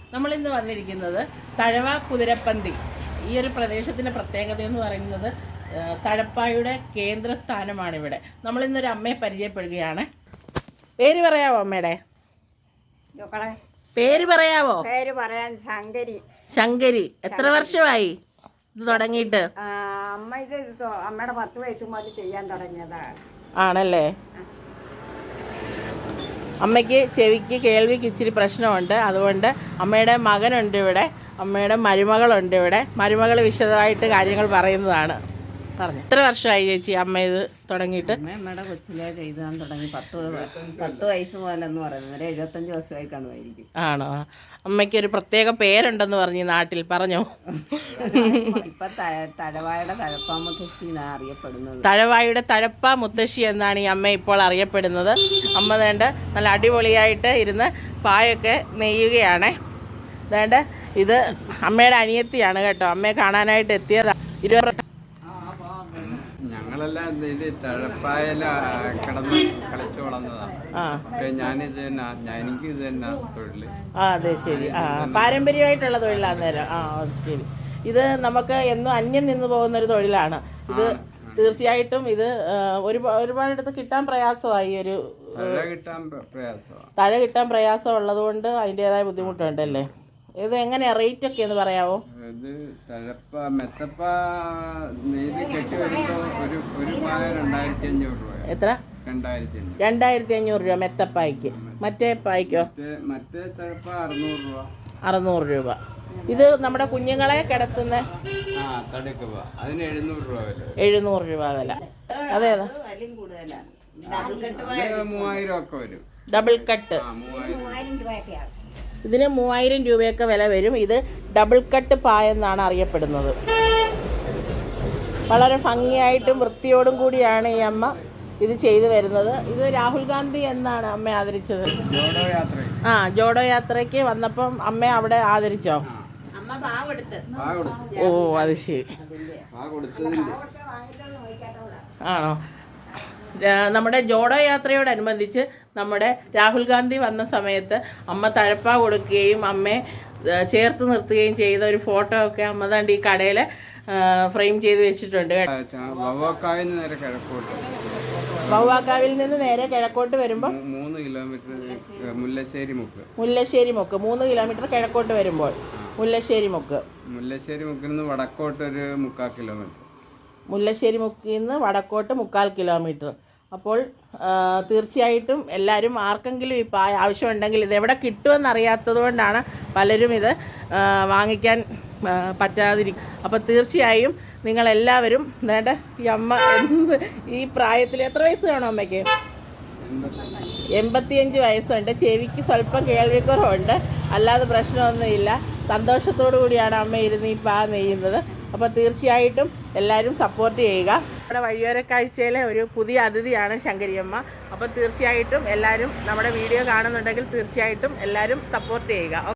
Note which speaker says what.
Speaker 1: നമ്മളിന്ന് വന്നിരിക്കുന്നത് തഴവ കുതിരപ്പന്തി. ഈ ഒരു പ്രദേശത്തിൻ്റെ പ്രത്യേകത എന്ന് പറയുന്നത് തഴപ്പായുടെ കേന്ദ്രസ്ഥാനമാണിവിടെ. നമ്മളിന്നൊരു അമ്മയെ പരിചയപ്പെടുകയാണ്. പേര് പറയാവോ അമ്മയുടെ? പേര് പറയാവോ?
Speaker 2: പേര് പറയാൻ ശങ്കരി.
Speaker 1: ശങ്കരി. എത്ര വർഷമായി ഇത് തുടങ്ങിയിട്ട്?
Speaker 2: അമ്മ ഇത് അമ്മയുടെ 10 വയസ്സ് മുതൽ ചെയ്യാൻ തുടങ്ങിയതാണ്.
Speaker 1: ആണല്ലേ? അമ്മയ്ക്ക് ചെവിക്ക് കേൾവിക്ക് ഇച്ചിരി പ്രശ്നമുണ്ട്. അതുകൊണ്ട് അമ്മയുടെ മകനുണ്ട് ഇവിടെ, അമ്മയുടെ മരുമകളുണ്ട് ഇവിടെ. മരുമകൾ വിശദമായിട്ട് കാര്യങ്ങൾ പറയുന്നതാണ്. പറഞ്ഞു. എത്ര വർഷമായി ചേച്ചി അമ്മ ഇത് തുടങ്ങിയിട്ട്?
Speaker 3: അമ്മയുടെ കൊച്ചിലെ എഴുതാൻ തുടങ്ങി 10 വയസ്സ് മുതലെന്ന് പറയുന്നത് 75 വർഷമായി കാണുമായിരിക്കും.
Speaker 1: ആണോ? അമ്മയ്ക്ക് ഒരു പ്രത്യേക പേരുണ്ടെന്ന് പറഞ്ഞു നാട്ടിൽ, പറഞ്ഞോ?
Speaker 3: ഇപ്പൊ തഴവായുടെ തഴപ്പാ മുത്തശ്ശി എന്നാണ് അറിയപ്പെടുന്നത്.
Speaker 1: തഴവായുടെ തഴപ്പാ മുത്തശ്ശി എന്നാണ് ഈ അമ്മ ഇപ്പോൾ അറിയപ്പെടുന്നത്. അമ്മ വേണ്ട നല്ല അടിപൊളിയായിട്ട് ഇരുന്ന് പായൊക്കെ നെയ്യുകയാണ്. വേണ്ട ഇത് അമ്മയുടെ അനിയത്തിയാണ് കേട്ടോ. അമ്മയെ കാണാനായിട്ട് എത്തിയതാണ്.
Speaker 4: ഞങ്ങളെല്ലാം ഇത് തഴപ്പായല കിടന്ന് കളിച്ചു വളർന്നതാണ്. ഞാനിത് തന്നെ, എനിക്ക് ഇത് തന്നെ തൊഴില്.
Speaker 1: അതെ, ശരി. പാരമ്പര്യമായിട്ടുള്ള തൊഴിലാണ് നേരം. ശരി. ഇത് നമുക്ക് എന്നും അന്യം നിന്ന് പോകുന്നൊരു തൊഴിലാണ് ഇത്. തീർച്ചയായിട്ടും ഇത് ഒരുപാടിടത്ത് കിട്ടാൻ പ്രയാസമായി. തഴ കിട്ടാൻ പ്രയാസം ഉള്ളത് കൊണ്ട് അതിൻ്റെതായ ബുദ്ധിമുട്ടുണ്ടല്ലേ? ഇത് എങ്ങനെയാ റേറ്റ് ഒക്കെ എന്ന് പറയാവോ?
Speaker 4: ഇത് തഴപ്പ മെത്തപ്പ നെയ്ത് കെട്ടി വരുമ്പോൾ ഒരു പായ 2500 രൂപ.
Speaker 1: എത്ര? 2500 രൂപ മെത്തപ്പായ്ക്ക്. മറ്റേ പായ്ക്കോ?
Speaker 4: മറ്റേ തഴപ്പ 600 രൂപ.
Speaker 1: 600 രൂപ. ഇത് നമ്മുടെ കുഞ്ഞുങ്ങളെ കിടത്തുന്ന
Speaker 4: അതിന് 700 രൂപ വില.
Speaker 1: 700 രൂപ വില. അതെ,
Speaker 4: 3000 ഒക്കെ വരും.
Speaker 1: Double cut. ഇതിന് 3000 രൂപയൊക്കെ വില വരും. ഇത് ഡബിൾ കട്ട് പായെന്നാണ് അറിയപ്പെടുന്നത്. വളരെ ഭംഗിയായിട്ടും വൃത്തിയോടും കൂടിയാണ് ഈ അമ്മ ഇത് ചെയ്തു വരുന്നത്. ഇത് രാഹുൽ ഗാന്ധി എന്നാണ് അമ്മ ആദരിച്ചത്. ജോഡോ യാത്രയ്ക്ക് വന്നപ്പം അമ്മ അവിടെ ആദരിച്ചോ? ഓ, അത് ശരി. ആണോ? നമ്മുടെ ജോഡോ യാത്രയോടനുബന്ധിച്ച് നമ്മുടെ രാഹുൽ ഗാന്ധി വന്ന സമയത്ത് അമ്മ തഴപ്പ കൊടുക്കുകയും അമ്മയെ ചേർത്ത് നിർത്തുകയും ചെയ്ത ഒരു ഫോട്ടോ ഒക്കെ അമ്മ ദാണ്ട് ഈ കടയിൽ ഫ്രെയിം ചെയ്ത് വെച്ചിട്ടുണ്ട്. വവ്വാക്കാവിൽ നിന്ന് നേരെ കിഴക്കോട്ട് വരുമ്പോൾ
Speaker 4: 3 കിലോമീറ്റർ മുല്ലശ്ശേരി മുക്ക്
Speaker 1: 3 കിലോമീറ്റർ കിഴക്കോട്ട് വരുമ്പോൾ മുല്ലശ്ശേരി
Speaker 4: മുക്കിൽ നിന്ന് വടക്കോട്ട് ഒരു 3/4 കിലോമീറ്റർ.
Speaker 1: മുല്ലശ്ശേരി മുക്കിൽ നിന്ന് വടക്കോട്ട് 3/4 കിലോമീറ്റർ. അപ്പോൾ തീർച്ചയായിട്ടും എല്ലാവരും ആർക്കെങ്കിലും ഈ പായ ആവശ്യമുണ്ടെങ്കിൽ ഇതെവിടെ കിട്ടുമെന്നറിയാത്തത് കൊണ്ടാണ് പലരും ഇത് വാങ്ങിക്കാൻ പറ്റാതിരിക്കും. അപ്പോൾ തീർച്ചയായും നിങ്ങളെല്ലാവരും വേണ്ട ഈ അമ്മ ഈ പ്രായത്തിൽ എത്ര വയസ്സ് കാണും അമ്മയ്ക്ക്? 85 വയസ്സുണ്ട്. ചെവിക്ക് സ്വല്പം കേൾവിക്കുറവുണ്ട്, അല്ലാതെ പ്രശ്നമൊന്നുമില്ല. സന്തോഷത്തോടു കൂടിയാണ് അമ്മ ഇരുന്ന് ഈ പാ നെയ്യുന്നത്. അപ്പോൾ തീർച്ചയായിട്ടും എല്ലാവരും സപ്പോർട്ട് ചെയ്യുക. നമ്മുടെ വഴിയോര കാഴ്ചയിലെ ഒരു പുതിയ അതിഥിയാണ് ശങ്കരിയമ്മ. അപ്പോൾ തീർച്ചയായിട്ടും എല്ലാവരും നമ്മുടെ വീഡിയോ കാണുന്നുണ്ടെങ്കിൽ തീർച്ചയായിട്ടും എല്ലാവരും സപ്പോർട്ട് ചെയ്യുക.